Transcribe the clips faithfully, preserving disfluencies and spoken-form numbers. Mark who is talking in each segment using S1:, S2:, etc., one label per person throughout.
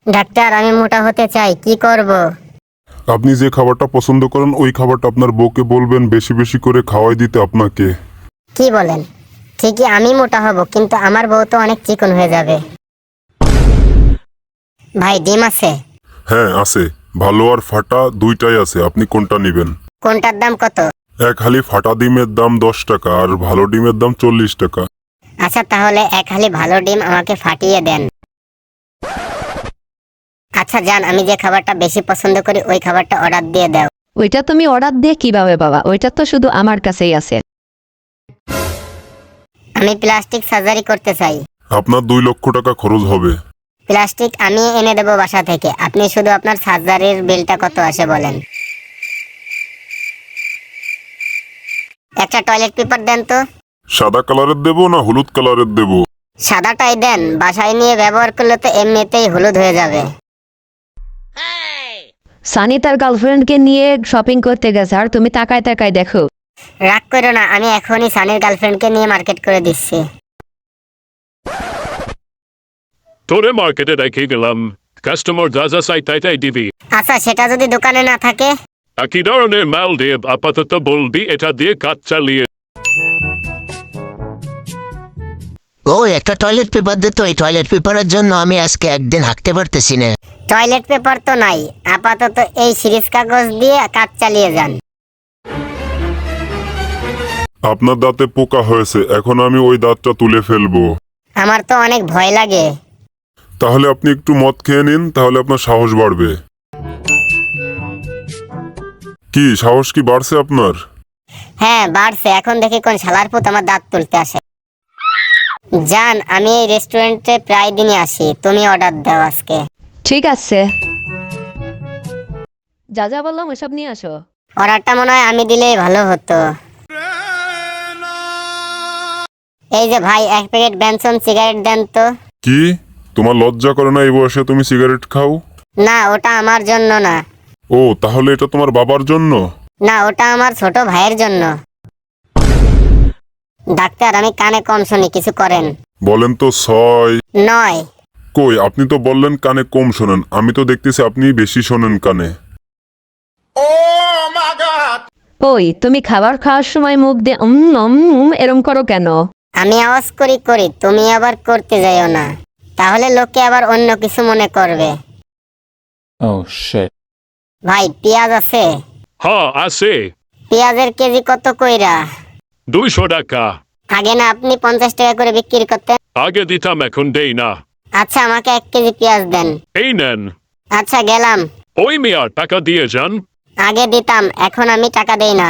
S1: Doctor, আমি মোটা হতে চাই, কি করব?
S2: আপনি যে খাবারটা পছন্দ করেন ওই খাবারটা আপনার বউকে বলবেন বেশি বেশি করে খাওয়াই দিতে আপনাকে।
S1: কি বলেন? ঠিকই আমি মোটা হব, কিন্তু আমার বউ তো অনেক চিকন হয়ে যাবে। ভাই, ডিম আছে?
S2: হ্যাঁ আছে, ভালো আর ফাটা দুইটাই আছে, আপনি কোনটা নেবেন?
S1: কোনটার দাম কত?
S2: এক হালি ফাটা ডিমের দাম দশ টাকা আর ভালো ডিমের দাম চল্লিশ টাকা।
S1: আচ্ছা, তাহলে এক হালি ভালো ডিম আমাকে ফাটিয়ে দেন। আচ্ছা জান, আমি যে খাবারটা বেশি পছন্দ করি ওই খাবারটা অর্ডার দিয়ে দাও।
S3: ওইটা তুমি অর্ডার দিয়ে কিভাবে বাবা? ওইটা তো শুধু আমার কাছেই আছে।
S1: আমি প্লাস্টিক সার্জারি করতে চাই।
S2: আপনার দুই লক্ষ টাকা খরচ হবে।
S1: প্লাস্টিক আমি এনে দেবো বাসা থেকে, আপনি শুধু আপনার সার্জারির বিলটা কত আসে বলেন। একটা টয়লেট পেপার দেন তো।
S2: সাদা কালারের দেবো না হলুদ কালারের দেবো?
S1: সাদাটাই দেন, বাসায় নিয়ে ব্যবহার করলে তো এমনিতেই হলুদ হয়ে যাবে।
S3: সানি তার গার্লফ্রেন্ডকে নিয়ে শপিং করতে গেছে আর তুমি তাকায় তাকায় দেখো।
S1: রাগ করো না, আমি এখনই সানির গার্লফ্রেন্ডকে নিয়ে মার্কেট করে দিচ্ছি।
S4: তোরে মার্কেটে রেখে গেলাম, কাস্টমার যা যা চাই তাই তাই দিবি।
S1: আচ্ছা, সেটা যদি দোকানে না থাকে?
S4: একই ধরনের মাল দিয়ে আপাতত বলবি এটা দিয়ে কাজ চালিয়ে।
S5: ও একটা টয়লেট পেপার দিত, এই টয়লেট পেপারের জন্য আমি আজকে একদিন হাঁটতে পারতেছি না।
S1: টয়লেট পেপার তো নাই, আপাতত এই সিরিজ কাগজ দিয়ে কাজ চালিয়ে যান।
S2: আপনার দাঁতে পোকা হয়েছে, এখন আমি ওই দাঁতটা তুলে ফেলবো।
S1: আমার তো অনেক ভয় লাগে।
S2: তাহলে আপনি একটু মদ খেয়ে নিন, তাহলে আপনার সাহস বাড়বে। কি সাহস কি বাড়ছে আপনার?
S1: হ্যাঁ বাড়ছে, এখন দেখি কোন শালার পুত আমার দাঁত তুলতে আসে। জান, আমি এই রেস্টুরেন্টে প্রায় দিনই আসি, তুমি অর্ডার দাও আজকে।
S3: ঠিক আছে, যা যা বললাম ওসব নিয়ে আসো।
S1: অর্ডারটা মনে হয় আমি দিলেই ভালো হতো। এই যে ভাই, এক প্যাকেট বেনসন সিগারেট দেন তো।
S2: কি তোমার লজ্জা করে না এই বয়সে তুমি সিগারেট খাও?
S1: না, ওটা আমার জন্য না।
S2: ও তাহলে এটা তোমার বাবার জন্য?
S1: না, ওটা আমার ছোট ভাইয়ের জন্য। ডাক্তার, আমি কানে কম শুনি, কিছু করেন।
S2: বলেন তো ছয়।
S1: নয়।
S2: কই আপনি তো বললেন কানে কম শোনেন, আমি তো দেখতেছি আপনি বেশি শোনেন কানে।
S3: ওই তুমি খাবার খাওয়ার সময় মুখ দিয়ে উম উম উম এরম করো কেন?
S1: আমি আওয়াজ করি করি, তুমি আবার করতে যাইও না, তাহলে লোকে আবার অন্য কিছু মনে করবে।
S6: Oh shit.
S1: ভাই, পেঁয়াজ আছে?
S4: হ্যাঁ আছে,
S1: পেঁয়াজের কেজি কত কইরা?
S4: দুইশো টাকা।
S1: আগে না আপনি পঞ্চাশ টাকা করে বিক্রি করতেন?
S4: আগে দিতাম, এখন দেই না।
S1: আচ্ছা, আমাকে এক কেজি পেঁয়াজ দেন।
S4: এই নেন।
S1: আচ্ছা, গেলাম।
S4: ওই মিয়ার টাকা দিয়ে যান।
S1: আগে দিতাম, এখন আমি টাকা দেই না।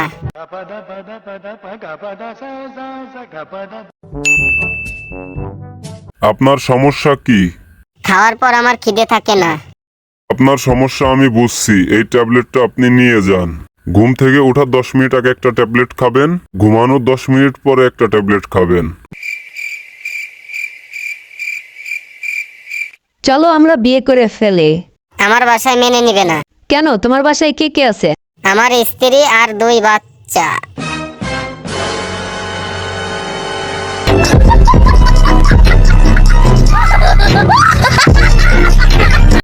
S2: আপনার সমস্যা কি?
S1: খাওয়ার পর আমার খিদে থাকে না।
S2: আপনার সমস্যা আমি বুঝছি, এই ট্যাবলেটটা আপনি নিয়ে যান। ঘুম থেকে ওঠার দশ মিনিট আগে একটা ট্যাবলেট খাবেন, ঘুমানোর দশ মিনিট পরে একটা ট্যাবলেট খাবেন।
S3: চলো আমরা বিয়ে করে ফেলি।
S1: আমার বাসায় মেনে নিবে না।
S3: কেন, তোমার বাসায় কে কে আছে?
S1: আমার স্ত্রী আর দুই বাচ্চা।